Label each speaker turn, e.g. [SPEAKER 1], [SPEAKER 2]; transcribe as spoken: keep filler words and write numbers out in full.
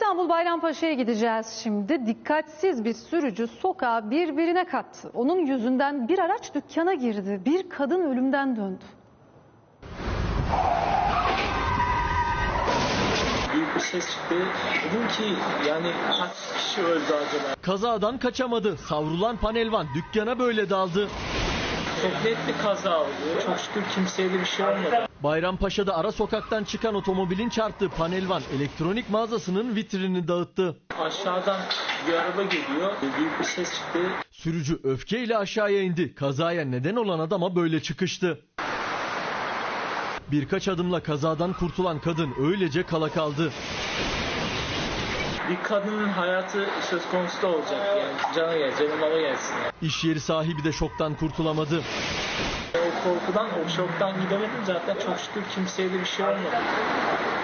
[SPEAKER 1] İstanbul Bayrampaşa'ya gideceğiz şimdi. Dikkatsiz bir sürücü sokağı birbirine kattı. Onun yüzünden bir araç dükkana girdi. Bir kadın ölümden döndü.
[SPEAKER 2] Büyük bir ses çıktı. Dedim ki yani kaç kişi öldü acaba?
[SPEAKER 3] Kazadan kaçamadı. Savrulan panelvan dükkana böyle daldı.
[SPEAKER 2] Çok net bir kaza oldu. Çok şükür kimseye de bir şey olmadı.
[SPEAKER 3] Bayrampaşa'da ara sokaktan çıkan otomobilin çarptığı panelvan elektronik mağazasının vitrinini dağıttı.
[SPEAKER 2] Aşağıdan bir araba geliyor. Büyük bir ses çıktı.
[SPEAKER 3] Sürücü öfkeyle aşağıya indi. Kazaya neden olan adama böyle çıkıştı. Birkaç adımla kazadan kurtulan kadın öylece kala kaldı.
[SPEAKER 2] Bir kadının hayatı söz konusu da olacak yani. Canı gel, canı mala gelsin yani.
[SPEAKER 3] İş yeri sahibi de şoktan kurtulamadı.
[SPEAKER 2] O korkudan, o şoktan gidemedim zaten çok şükür kimseye de bir şey olmadı.